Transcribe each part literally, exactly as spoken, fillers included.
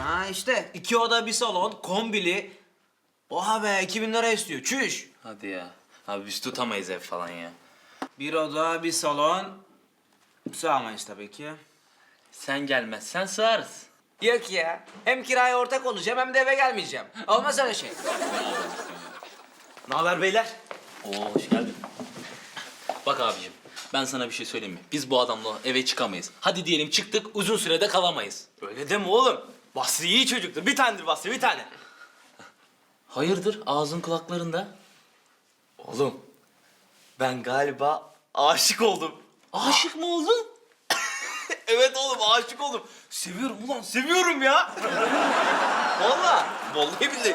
Ha işte iki oda bir salon, kombili. Oha be iki bin lira istiyor. Çüş. Hadi ya. Abi biz tutamayız ev falan ya. Bir oda bir salon. Sığamayız tabii ki. Sen gelmezsen sığarız. Yok ya. Hem kiraya ortak olacağım hem de eve gelmeyeceğim. Olmaz öyle şey. Ne haber beyler? Oo hoş geldin. Bak abicim ben sana bir şey söyleyeyim mi? Biz bu adamla eve çıkamayız. Hadi diyelim çıktık uzun sürede kalamayız. Öyle deme oğlum. Basri iyi çocuktur. Bir tanedir Basri, bir tane. Hayırdır ağzın kulaklarında? Oğlum, ben galiba aşık oldum. Aşık mı oldun? Evet oğlum, aşık oldum. Seviyorum ulan, seviyorum ya. Vallahi, vallahi billahi.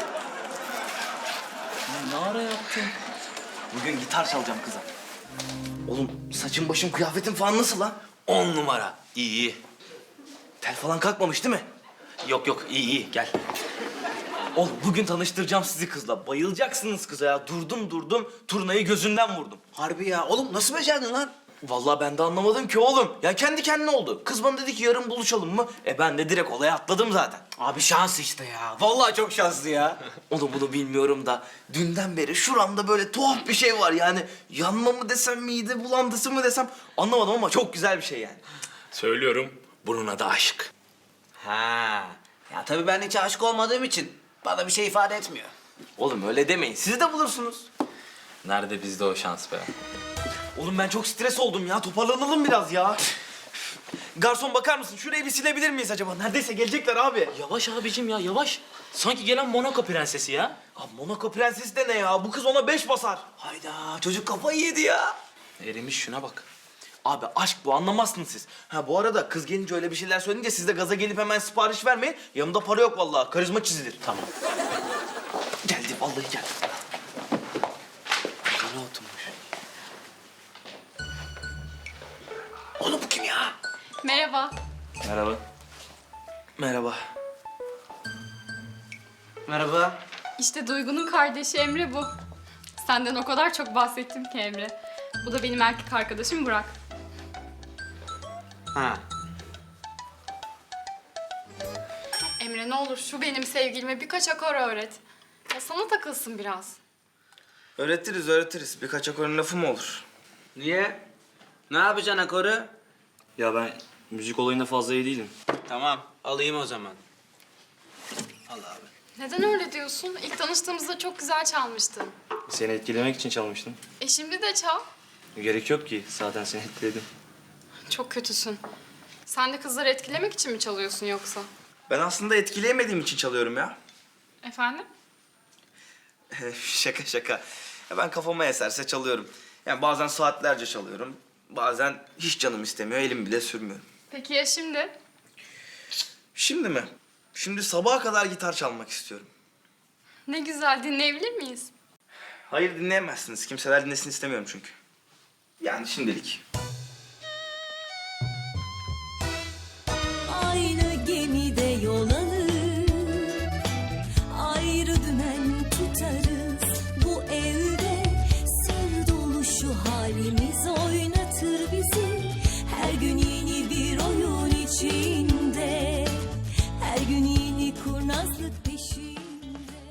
Ne ara yaptın? Bugün gitar çalacağım kıza. Oğlum, saçım başım kıyafetim falan nasıl lan? On numara. İyi iyi. Tel falan kalkmamış değil mi? Yok yok iyi iyi gel. Oğlum bugün tanıştıracağım sizi kızla. Bayılacaksınız kıza ya. Durdum durdum, turnayı gözünden vurdum. Harbi ya. Oğlum nasıl becerdin lan? Vallahi ben de anlamadım ki oğlum. Ya kendi kendine oldu. Kız bana dedi ki yarın buluşalım mı? E ben de direkt olaya atladım zaten. Abi şans işte ya. Vallahi çok şanslı ya. Oğlum bunu bilmiyorum da dünden beri şuramda böyle tuhaf bir şey var yani. Yanma mı desem, mide bulantısı mı desem anlamadım ama çok güzel bir şey yani. Söylüyorum bunun adı aşk. Ha. Ya tabii ben hiç aşık olmadığım için bana bir şey ifade etmiyor. Oğlum öyle demeyin. Siz de bulursunuz. Nerede bizde o şans be? Oğlum ben çok stres oldum ya. Toparlanalım biraz ya. Garson bakar mısın? Şurayı bir silebilir miyiz acaba? Neredeyse gelecekler abi. Yavaş abicim ya yavaş. Sanki gelen Monaco prensesi ya. Abi Monaco prensesi de ne ya? Bu kız ona beş basar. Hayda çocuk kafayı yedi ya. Erimiş şuna bak. Abi aşk bu, anlamazsınız siz. Ha bu arada kız gelince öyle bir şeyler söyleyince siz de gaza gelip hemen sipariş vermeyin. Yanımda para yok vallahi. Karizma çizilir. Tamam. Geldi vallahi geldi. Yine oturmuş. Oğlum bu kim ya? Merhaba. Merhaba. Merhaba. Merhaba. İşte Duygu'nun kardeşi Emre bu. Senden o kadar çok bahsettim ki Emre. Bu da benim erkek arkadaşım Burak. Ha. Emre ne olur şu benim sevgilime birkaç akor öğret. Ya sana takılsın biraz. Öğretiriz öğretiriz. Birkaç akorun lafı mı olur? Niye? Ne yapacaksın akoru? Ya ben müzik olayında fazla iyi değilim. Tamam alayım o zaman. Al abi. Neden öyle diyorsun? İlk tanıştığımızda çok güzel çalmıştın. Seni etkilemek için çalmıştım. E şimdi de çal. Gerek yok ki. Zaten seni etkiledim. Çok kötüsün. Sen de kızları etkilemek için mi çalıyorsun yoksa? Ben aslında etkileyemediğim için çalıyorum ya. Efendim? Şaka şaka. Ya ben kafama eserse çalıyorum. Yani bazen saatlerce çalıyorum. Bazen hiç canım istemiyor, elim bile sürmüyorum. Peki ya şimdi? Şimdi mi? Şimdi sabaha kadar gitar çalmak istiyorum. Ne güzel, dinleyebilir miyiz? Hayır dinleyemezsiniz. Kimseler dinlesin istemiyorum çünkü. Yani şimdilik.